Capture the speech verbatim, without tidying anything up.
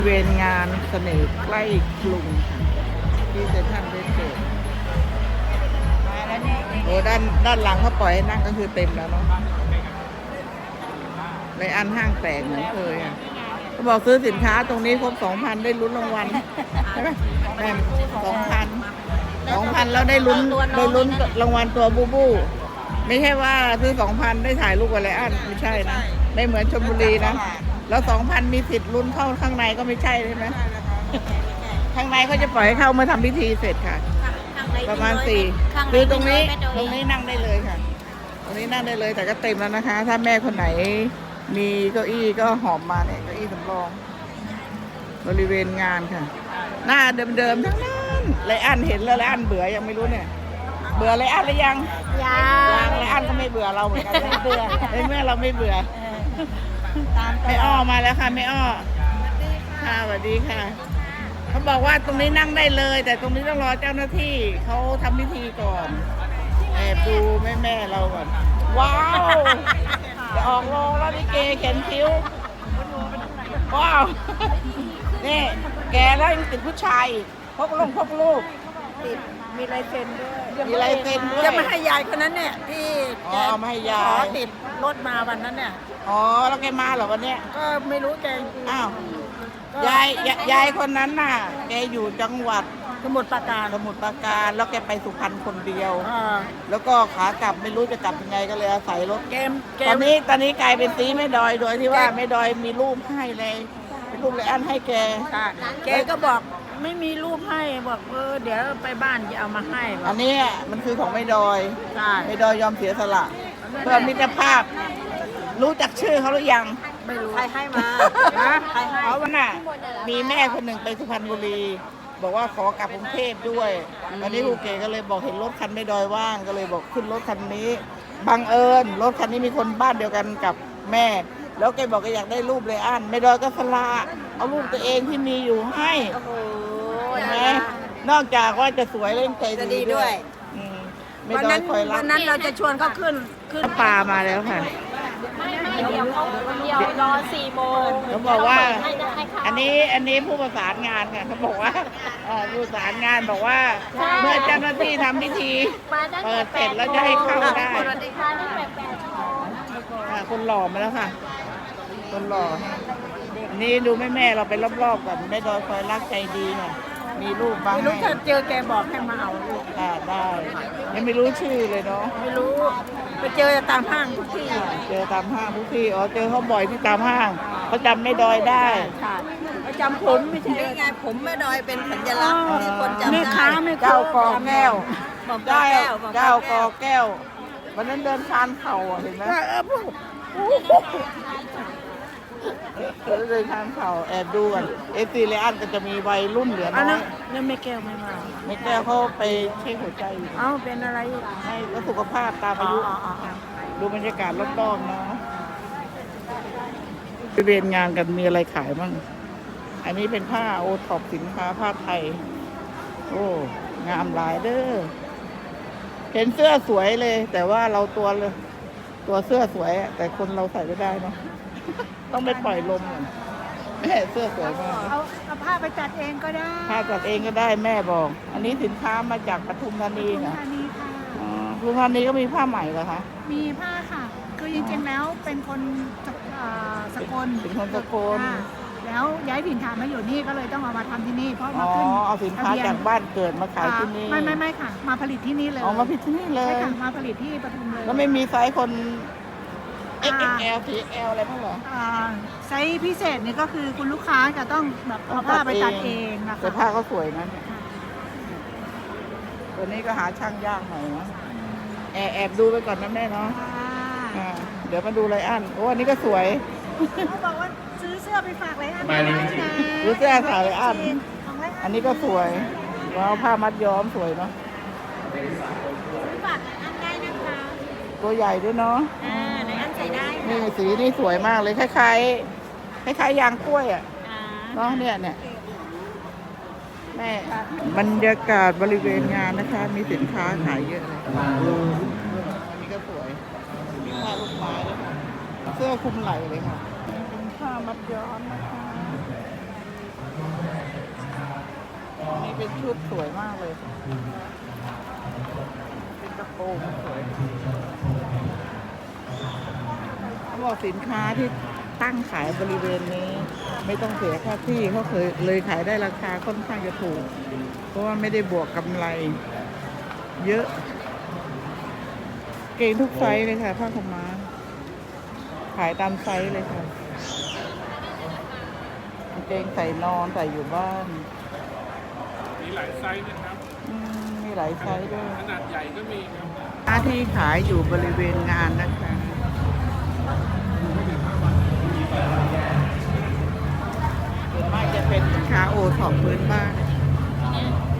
บริเวณงานเสน่ห์ใกล้กรุงค่ะที่เซ็นทรัลเวสเกตโอ้ด้านด้านหลังเขาปล่อยให้นั่งก็คือเต็มแล้วเนาะในอันห้างแตกเหมือนเคยอ่ะเขาบอกซื้อสินค้าตรงนี้ครบสองพันได้ลุ้นรางวัลใช่ไหมแม่สองพันสองพันแล้วได้ลุ้นได้ลุ้นรางวัลตัวบูบูไม่ใช่ว่าซื้อสองพันได้ถ่ายรูปกับไรอันไม่ใช่นะไม่เหมือนชลบุรีนะแล้วสองพันมีสิทธิ์ลุ้นเข้าข้างในก็ไม่ใช่ใช่ไหมข้างในเขาจะปล่อยให้เข้าเมื่อทำพิธีเสร็จค่ะประมาณสี่คือตรงนี้ตรงนี้นั่งได้เลยค่ะตรงนี้นั่งได้เลยแต่ก็เต็มแล้วนะคะ ถ้าแม่คนไหนมีเก้าอี้ก็หอมมาเนี่ยเก้าอี้สำรองบริเวณงานค่ะหน้าเดิมๆทั้งนั้นไรอันเห็นแล้วไรอันเบื่อยังไม่รู้เนี่ยเบื่อไรอันหรือยังยังไรอันก็ไม่เบื่อเราเหมือนกันไม่เบื่อเมื่อเราไม่เบื่อไม่อ้อมาแล้วค่ะไม่อ้อค่ะสวัสดีค่ะเขาบอกว่าตรงนี้นั่งได้เลยแต่ตรงนี้ต้องรอเจ้าหน้าที่เขาทำพิธีก่อนแอบดูแม่แม่เราก่อนว้าวจะออกโรงแล้วนี่เกเข็นคิ้วว้าวนี่แกแล้วยังติดผู้ชายพกลงพกลูกติดมีลายเซ็นด้วยมีลายเซ็นด้วยจะมาให้ยายคนนั้นเนี่ยที่อ๋อมาให้ยายขอติดรถมาวันนั้นเนี่ยอ๋อแล้วแกมาเหรอวันเนี้ยก็ไม่รู้แกอ้าวยายยายคนนั้นน่ะแกอยู่จังหวัดสมุทรปราการสมุทรปราการแล้วแกไปสุพรรณคนเดียวแล้วก็ขากลับไม่รู้จะกลับยังไงก็เลยอาศัยรถเกมตอนนี้ตอนนี้กลายเป็นซีแม่ดอยโดยที่ว่าแม่ดอยมีรูปให้เลยรูปเลยอันให้แกแกก็บอกไม่มีรูปให้บอกเออเดี๋ยวไปบ้านจะเอามาให้อันนี้มันคือของแม่ดอยแม่ดอยยอมเสียสละเพื่อมิตรภาพรู้จักชื่อเขาหรือยังไม่รู้ใครให้มาใครให้เพราะว่าน่ะมีแม่คนหนึ่งไปสุพรรณบุรีบอกว่าขอกลับกรุงเทพด้วยตอนนี้ครูเก๋ก็เลยบอกเห็นรถคันไม่ดอยว่างก็เลยบอกขึ้นรถคันนี้บังเอิญรถคันนี้มีคนบ้านเดียวกันกับแม่แล้วแกบอกแกอยากได้รูปเลยอันไม่ดอยก็สละเอารูปตัวเองที่มีอยู่ให้เห็นไหมนอกจากว่าจะสวยเล่นใจดีด้วยวันนั้นวันนั้นเราจะชวนเขาขึ้นขึ้นปลามาแล้วค่ะเดี๋ยวเขาเดี๋ยวรอสี่โมงเขาบอกว่าอันนี้อันนี้ผู้ประสานงานค่ะเขาบอกว่าผู้ประสานงานบอกว่าเมื่อเจ้าหน้าที่ทำพิธีเปิดเสร็จแล้วจะให้เข้าได้สวัสดีค่ะนี่แปดๆคนหล่อมาแล้วค่ะคนหล่อนี่ดูแม่แม่เราไปรอบๆก่อนแม่ดอยคอยรักใจดีค่ะมีรูปบ้างไม่รู้ถ้าเจอแกบอกให้มาเอาลูกได้ยังไม่รู้ชื่อเลยเนาะไม่รู้ไปเจอตามห้างทุกที่เจอตามห้างทุกที่อ๋อเจอเขาบ่อยที่ตามห้างเขาจำไม่ดอยได้ค่ะเขาจำผมไม่ใช่ไงผมแม่ดอยเป็นสัญลักษณ์ที่คนจำได้แม่ค้าแม่เจ้ากอแก้วเจ้าเจ้ากอแก้ววันนั้นเดินคานเข่าเห็นไหมเลยทางเขาแอบดูกันเอซีเลอันก็จะมีวัยรุ่นเหลือน้อยนั่นไม่แก้วไม่มาไม่แก้วเขาไปเช็คหัวใจเอ้าเป็นอะไรให้ก็สุขภาพตามอายุดูบรรยากาศรอบๆเนาะไปเรียนงานกันมีอะไรขายบ้างอันนี้เป็นผ้าโอท็อปสินค้าผ้าไทยโอ้งามหลายเด้อเห็นเสื้อสวยเลยแต่ว่าเราตัวเลยตัวเสื้อสวยแต่คนเราใส่ไม่ได้เนาะต้องไปปล่อยลมก่อนแม่เสื้อสวยมากเอาเอาผ้าไปจัดเองก็ได้ผ้าจัดเองก็ได้แม่บอกอันนี้สินค้ามาจากปทุมธานีค่ะปทุมธานีค่ะปทุมธานีก็มีผ้าใหม่เหรอคะมีผ้าค่ะคือจริงๆแล้วเป็นคนสกลเป็นคนสกลแล้วย้ายถิ่นฐานมาอยู่นี่ก็เลยต้องเอามาทำที่นี่เพราะมาขึ้นเอาสินค้าจากบ้านเกิดมาขายที่นี่ไม่ไม่ไม่ค่ะมาผลิตที่นี่เลยอ๋อมาผลิตที่นี่เลยใช่ค่ะมาผลิตที่ปทุมเลยแล้วไม่มีไซส์คนเอ็กซ์แอล สี่ แอล อะไรบ้างเหรอไซส์พิเศษนี่ก็คือคุณลูกค้าจะต้องแบบเอาผ้าไปตัดเองนะคะแต่ผ้าก็สวยนะตัวนี้ก็หาช่างยากหน่อยนะแอบแอบดูไปก่อนนะแม่เนาะเดี๋ยวมาดูไรอันโอ้อันนี้ก็สวยเขาบอกว่าซื้อเสื้อไปฝากไรอันซื้อเสื้อฝากไรอันอันนี้ก็สวยว้าวผ้ามัดย้อมสวยเนาะฝากอันได้นะคะตัวใหญ่ด้วยเนาะนี่สีนี่สวยมากเลยคล้ายๆคล้ายๆยางกล้วยอ่ะเนาะเนี่ยเนี่ยแม่บรรยากาศบริเวณงานนะคะมีสินค้าขายเยอะเลยอันนี้ก็สวยมีผ้าลูกไม้ด้วยค่ะเสื้อคลุมไหล่เลยค่ะเป็นผ้ามัดย้อมนะคะนี้เป็นชุดสวยมากเลย เป็นกระโปรงสวยเขาบอกสินค้าที่ตั้งขายบริเวณนี้ ไม่ต้องเสียค่าที่เขาเคยเลยขายได้ราคาค่อนข้างจะถูก เพราะว่าไม่ได้บวกกำไร เยอะ เก่งทุกไซส์เลยค่ะผ้าขาวม้าขายตามไซส์เลยค่ะกางเกงใส่นอนใส่อยู่บ้านมีหลายไซส์นะครับอืมมีหลายไซส์ด้วยขนาดใหญ่ก็มีครับร้านที่ขายอยู่บริเวณงานนะคะส่วนมากจะเป็นสินค้าโอท็อปพื้นบ้าน